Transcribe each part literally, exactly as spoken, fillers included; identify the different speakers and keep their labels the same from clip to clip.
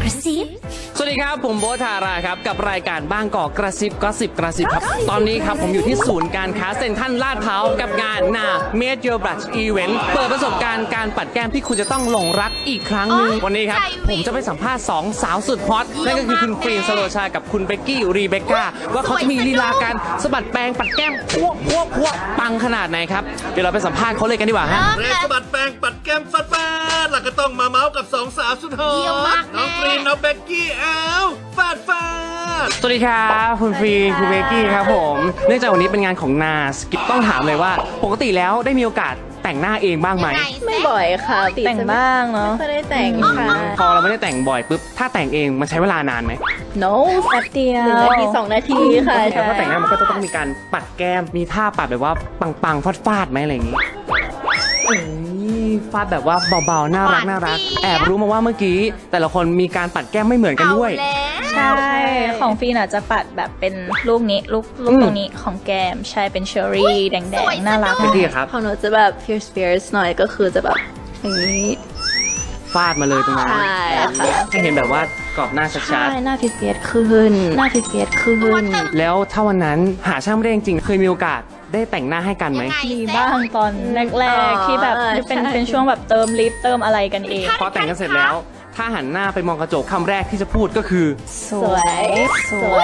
Speaker 1: ระซิบ
Speaker 2: สวัสดีครับผมโบ๊ทธาราครับกับรายการบางกอกกระซิบก็สิบกระซิบครับตอนนี้ครับผมอยู่ที่ศูนย์การค้าเซ็นทรัลลาดพร้าวกับงานนา Made Your Blush Event เปิดประสบการณ์การปัดแก้มที่คุณจะต้องหลงรักอีกครั้งหนึ่งวันนี้ครับผมจะไปสัมภาษณ์สองสาวสุดฮอตนั่นก็คือคุณฟรีนสโลชากับคุณเบกกี้รีเบคก้าว่าเขาจะมีลีลาการสะบัดแปรงปัดแก้มพวกพวกพวกปังขนาดไหนครับเดี๋ยวเราไปสัมภาษณ์เขาเลยกันดีกว่าฮะ
Speaker 3: เรสะบัดแปรงปัดแก้มฟัดฟาดแล้วก็ต้องมาเมาส์กับสองสาวสุดฮอตน้องฟรีนน้องเบกกี้อ้าวฟาดฟาด
Speaker 2: สวัสดีครับคุณฟรีคุณเบกกี้ครับผมเนื่องจากวันนี้เป็นงานของนาสกิปต้องถามเลยว่าปกติแล้วได้มีโอกาสแต่งหน้าเองบ้างไหม
Speaker 4: ไม่บ่อยค่ะแต่งบ้างเนาะไม่ได้แต่งค่ะ
Speaker 2: พอเราไม่ได้แต่งบ่อยปุ๊บถ้าแต่งเองมันใช้เวลานานไหม
Speaker 4: no แป๊บเดียวหนึ่งนาทีสองนาทีค่ะ
Speaker 2: แต่ว่าแต่งหน้ามันก็จะต้องมีการปัดแก้มมีท่าปัดแบบว่าปังๆฟาดๆไหมอะไรอย่างนี้เอ้ยฟาดแบบว่าเบาๆน่ารักน่ารักแอบรู้มาว่าเมื่อกี้แต่ละคนมีการปัดแก้มไม่เหมือนกันด้วย
Speaker 4: ใช่ของฟีนอาจจะปัดแบบเป็นลูกนี้ลูกลูกตรงนี้ของแก้มใช่เป็นเชอร์รี่แดงๆน่ารัก
Speaker 2: เบกกี้ครับ
Speaker 5: ของหนูจะแบบ fierce fierce หน่อยก็คือจะแบบอย่างนี้
Speaker 2: ฟาดมาเลยตรงนั้น
Speaker 5: ใช่ค่ะ
Speaker 2: ให้เห็นแบบว่ากรอบหน้าชั
Speaker 5: ใช่
Speaker 2: ด
Speaker 5: หน้า fierce fierce ขึ้นหน้า fierce fierce ขึ้น
Speaker 2: ๆแล้วถ้าวันนั้นหาช่างไม่ได้จริงๆเคยมีโอกาสได้แต่งหน้าให้กันไหม
Speaker 4: มีบ้างตอนแรกๆที่แบบเป็นเป็นช่วงแบบเติมลิปเติมอะไรกันเอง
Speaker 2: พอแต่งกันเสร็จแล้ว ถ้าหันหน้าไปมองกระจกคำแรกที่จะพูดก็คือ
Speaker 4: สวยสวย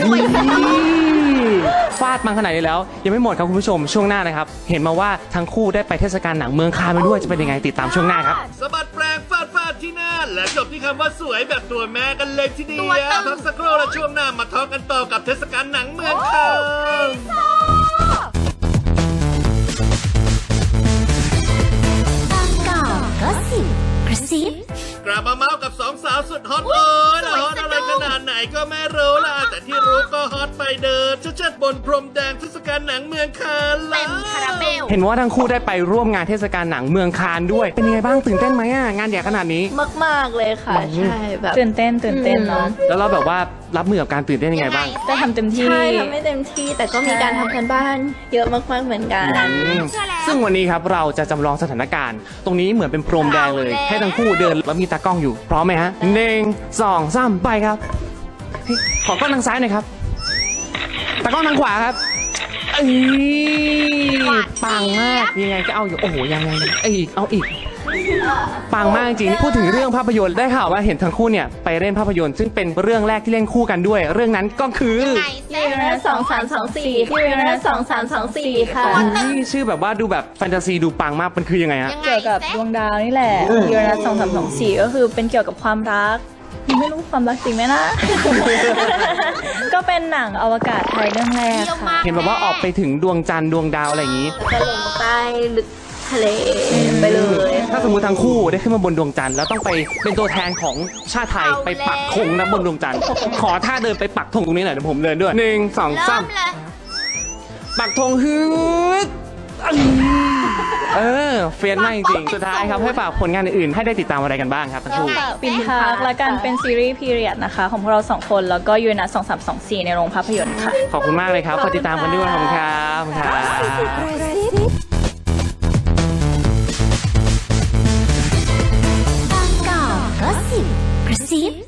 Speaker 2: ฟาดมาขนาดนี้แล้ว ยังไม่หมดครับคุณผู้ชมช่วงหน้านะครับ เห็นมาว่าทั้งคู่ได้ไปเทศกาลหนังเมืองคานมาด้วยจะเป็นยังไงติดตามช่วงหน้าครับ
Speaker 3: สะบัดแปรงฟาดฟาดที่หน้าและจบที่คำว่าสวยแบบตัวแม่กันเลยทีเดียวพักสักครู่และช่วงหน้ามาทอล์กกันต่อกับเทศกาลหนังเมืองคาน
Speaker 1: บางกอกก็สิบกระซิบ
Speaker 3: กลับมาเมาส์กับสองสาวสุดฮอตเลยแล้วฮอตอะไรขนาดไหนก็ไม่รู้ล่ะแต่ที่รู้ก็ฮอตไปเดินเชิดๆบนพรมแดงเทศกาลหนังเมืองคานแล้ว
Speaker 2: เห็นว่าทั้งคู่ได้ไปร่วมงานเทศกาลหนังเมืองคานด้วย เป็นยังไงบ้างตื่นเต้นไหมอ่ะงานใหญ่ขนาดนี้
Speaker 5: มากๆเลยค่ะ ใช่แบบ
Speaker 4: ตื่นเต้นตื่นเต้นเนาะ
Speaker 2: แล้วเราแบบว่ารับมือกับการตื่นเต้นยังไงบ้าง
Speaker 4: จะทำเต็มที่
Speaker 5: ใช่ทำไม่เต็มที่แต่ก็มีการทำกันบ้านเยอะมากๆเหมือนกัน
Speaker 2: อืมซึ่งวันนี้ครับเราจะจำลองสถานการณ์ ตรงนี้เหมือนเป็นพรมแดงเลย ให้ทั้งคู่เดินแล้วมีตากล้องอยู่พร้อมไหมฮะหนึ่งสองสามไปครับเฮ้ยขอกล้องทางซ้ายหน่อยครับตากล้องทางขวาครับเอ้ยปังมากยังไงก็เอาอยู่โอ้โหยังไงเอ้ยอีกเอาอีกปังมากจริงพูดถึงเรื่องภาพยนตร์ได้ข่าวว่าเห็นทั้งคู่เนี่ยไปเล่นภาพยนตร์ซึ่งเป็นเรื่องแรกที่เล่นคู่กันด้วย เรื่องนั้นก็คือ
Speaker 5: ยูเรนัสสองสามสองสี่ยูเรนัสสองสามสองสี่ค่ะ
Speaker 2: นี่ชื่อแบบว่าดูแบบแฟนตาซีดูปังมากมันคือยังไงฮะ
Speaker 4: เกี่ยวกับดวงดาวนี่แหละยูเรนัสสองสามสองสี่ก็คือเป็นเกี่ยวกับความรักยังไม่รู้ความรักจริงไหมนะ ก็เป็นหนังอวกาศไทยเรื่องแรกค่ะ
Speaker 2: เห็นแบบว่าออกไปถึงดวงจันทร์ดวงดาวอะไรอย่างนี้
Speaker 5: จะลงใต้ลึกทะเลไปเลย
Speaker 2: ถ้าสมมติทั้งคู่ได้ขึ้นมาบนดวงจันทร์แล้วต้องไปเป็นตัวแทนของชาติไทยไปปักธงนะบนดวงจันทร์ขอท่าเดินไปปักธงตรงนี้หน่อยเดี๋ยวผมเดินด้วยหนึ่งสองสามปักธงฮึดเออเฟียนมากจริงๆสุดท้ายครับให้ฝากผลงานอื่นๆให้ได้ติดตามอะไรกันบ้างครับทั้งคู่
Speaker 4: ปินพาร์คและกันเป็นซีรีส์พีเรียดนะคะ ของพวกเราสองคนแล้วก็ยูเรนัสสองสามสองสี่ในโรงภาพยนตร์ค่ะ
Speaker 2: ขอบคุณมากเลยครับขอติดตามกันด้วยขอบคุณครับขอบคุณครับ
Speaker 1: บางกอกก็สิบกระซิบ